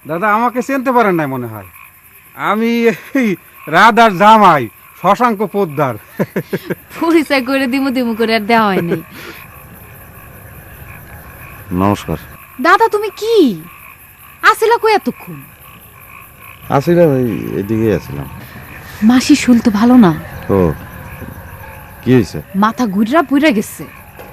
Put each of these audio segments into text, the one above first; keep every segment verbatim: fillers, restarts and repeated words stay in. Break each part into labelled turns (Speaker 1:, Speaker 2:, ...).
Speaker 1: দাদা আমাকে চিনতে পারেন নাই মনে হয়। আমি এই রাধার জামাই শশাঙ্ক পোদ্দার।
Speaker 2: পরিচয় করে দিমু দিমু করে আর দেওয়া হয়নি।
Speaker 3: নমস্কার।
Speaker 2: দাদা তুমি কি আসিলা কই এতক্ষণ?
Speaker 3: আসিলাম এই এদিকে আসিলাম।
Speaker 2: মাসি শুল তো ভালো না।
Speaker 3: ও কি হয়েছে?
Speaker 2: মাথা ঘুরা পুইরা গেছে।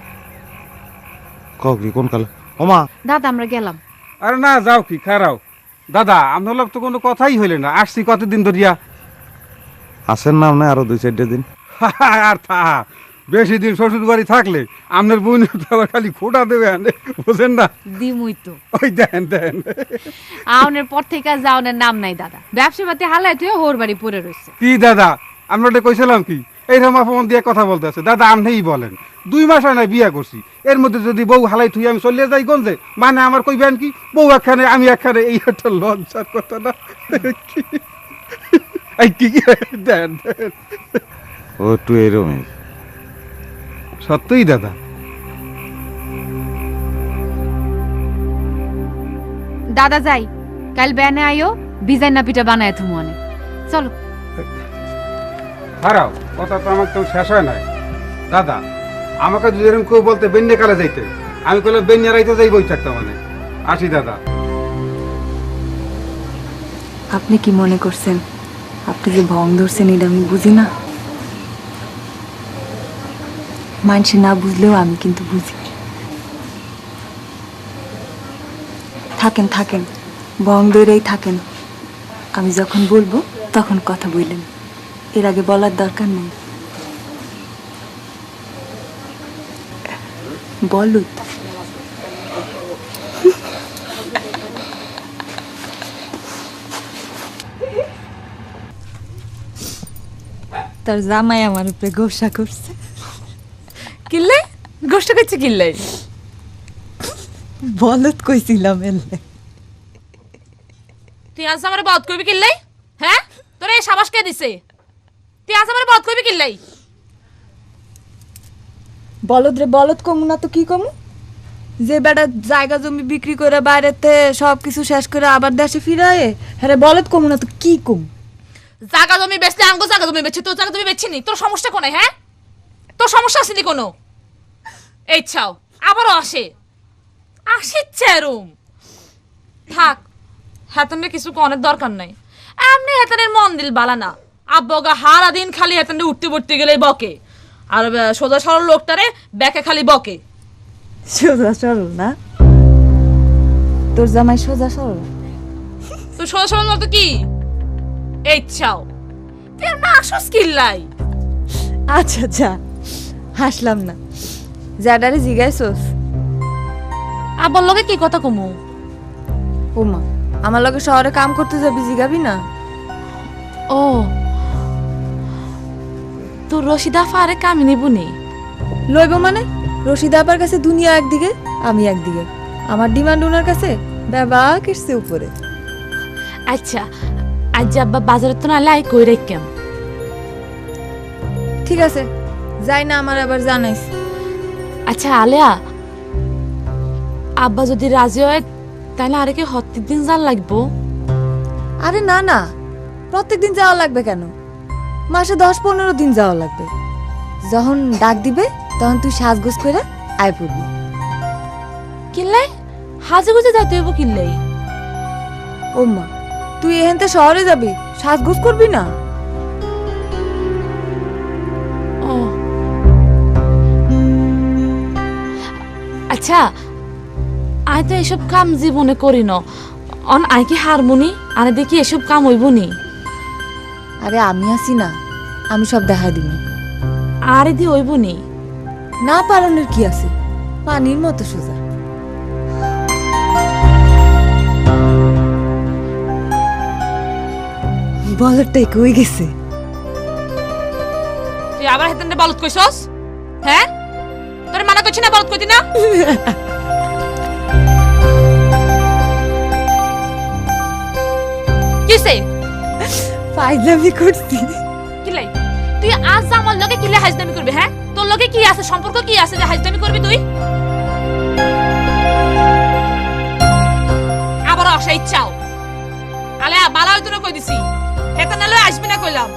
Speaker 3: ক কি কোন কালে? ওমা
Speaker 2: দাদা আমরা গেলাম।
Speaker 1: আরে না যাও কি খারাও দাদা, আপনার লোক তো কোনো কথাই হইলে না। আসছি কতদিন ধরিয়া।
Speaker 3: আসেন না আপনি আরো দুই চারটে দিন?
Speaker 1: আর থা বেশি দিন শ্বশুর বাড়ি থাকলে আপনার বোন খালি খোটা দেবে আনে, বুঝেন না?
Speaker 2: দিমুই তো।
Speaker 1: ওই দেন দেন
Speaker 2: আউনের পর থেকে যাওনের নাম নাই দাদা। ব্যবসা পাতি হালাই তুই হোর বাড়ি পড়ে রয়েছে।
Speaker 1: কি দাদা আমরা কইছিলাম কি এইরকম অপমান দিয়ে কথা বলতে আছে? দাদা আপনিই বলেন, দুই মাস হয় না বিয়া করছি, এর মধ্যে যদি বউ হালাই থুই আমি চলিয়ে যাই গঞ্জে, মানে আমার কইবেন কি বউ একখানে আমি একখানে, এই একটা লজ্জার কথা না? এই কি দেন দেন।
Speaker 3: ও একটু এরকমই।
Speaker 1: সত্যই দাদা।
Speaker 2: দাদা যাই, কাল ব্যানে আইও, বিজাই না পিঠা বানায় তুমি অনেক। চলো
Speaker 1: হারাও কথা তো আমার তো শেষ হয় নাই। দাদা আমাকে যদি এরকম কেউ বলতে বেন্যা কালে যাইতে, আমি কইলাম বেন্যা রাইতে যাই বই থাকতাম। মানে আসি দাদা।
Speaker 4: আপনি কি মনে করছেন আপনি যে ভং ধরছেন এটা আমি বুঝি না? মানুষ না বুঝলেও আমি কিন্তু বুঝি। থাকেন থাকেন ভং ধরেই থাকেন, আমি যখন বলবো তখন কথা বললেন, এর আগে বলার দরকার নেই। বলুত তার জামাই আমার উপরে গোসা করছে।
Speaker 5: কিল্লে গোষ্ঠ করছে কিল্লে?
Speaker 4: বলত কইছিলাম এলে।
Speaker 5: তুই আজ আমার বধ করবি কিল্লাই? হ্যাঁ তোর এই সাবাস কে দিছে? তুই আজ আমার বধ করবি কিল্লাই?
Speaker 4: বলদ রে বলদ কমু না তো কি কমু? যে বেটা জায়গা জমি বিক্রি করে বাইরেতে সব কিছু শেষ করে আবার দেশে ফিরায়, হ্যাঁ বলদ কমু না তো কি কম?
Speaker 5: জায়গা জমি বেচলে আঙ্গো জায়গা জমি বেচছি, তোর জায়গা জমি বেচছি নি। তোর সমস্যা কোনে? হ্যাঁ তোর সমস্যা আসেনি কোনো? এই ছাও আবারও আসে আসে চেরুম। থাক হেতনের কিছু কনের দরকার নাই। এমনি হেতনের মন দিল বালা না। আব্বগা হারা দিন খালি হেতনে উঠতে পড়তে গেলে বকে, আর সোজা সরল লোকটারে ব্যাকে খালি বকে।
Speaker 4: সোজা সরল না? তোর জামাই সোজা সরল?
Speaker 5: তো সোজা সরল মতো কি? এই ছাও তুই না আসস কিল্লাই?
Speaker 4: আচ্ছা আচ্ছা হাসলাম না, যাডারে জিগাইছস?
Speaker 5: আব্বার লগে কি কথা কমু?
Speaker 4: ওমা আমার লগে শহরে কাম করতে যাবি, জিগাবি না?
Speaker 5: ও তোর রশিদা ফারে কামি নিবুনি?
Speaker 4: লইব মানে? রশিদ আপার কাছে দুনিয়া একদিকে, আমি একদিকে। আমার ডিমান্ড ওনার কাছে বাবা কিসছে উপরে।
Speaker 5: আচ্ছা আজ আব্বা বাজারে তো না লাই কই রেখেম।
Speaker 4: ঠিক আছে যাই না, আমার আবার জানাইস।
Speaker 5: আচ্ছা আলেয়া, আব্বা যদি রাজি হয় তাহলে আরে কি হত্তির দিন যান লাগবো?
Speaker 4: আরে না না, প্রত্যেক দিন যাওয়া লাগবে কেন? মাসে দশ পনেরো দিন যাওয়া লাগবে। যখন ডাক দিবে তখন তুই সাজগোজ করে আয় পড়বি।
Speaker 5: কিল্লাই হাজে গুজে যাইতে হইব কিল্লাই?
Speaker 4: ওম্মা তুই এখানতে শহরে যাবি, সাজগোজ করবি না?
Speaker 5: ও আচ্ছা আই তো এসব কাম জীবনে করি ন, অন আই কি হারমোনি আনে দেখি এসব কাম হইব নি?
Speaker 4: আরে আমি আছি না, আমি সব দেখা দিবি।
Speaker 5: আরে দি হইব নি?
Speaker 4: না পারানোর কি আছে, পানির মতো সোজা। বলটাই কই গেছে?
Speaker 5: তুই আবার হেতেন বলত কইছস? হ্যাঁ তোরে মানা করছি না বলত কইতি না? কিসে
Speaker 4: ফাইজলামি করছি।
Speaker 5: কিলাই তুই আজ আমার লগে কিলে হাজদামি করবি? হ্যাঁ তোর লগে কি আছে, সম্পর্ক কি আছে যে হাজদামি করবি তুই? আবার আসা ইচ্ছাও বালা হইতো না কই দিছি হেতা নালে আসবি না কইলাম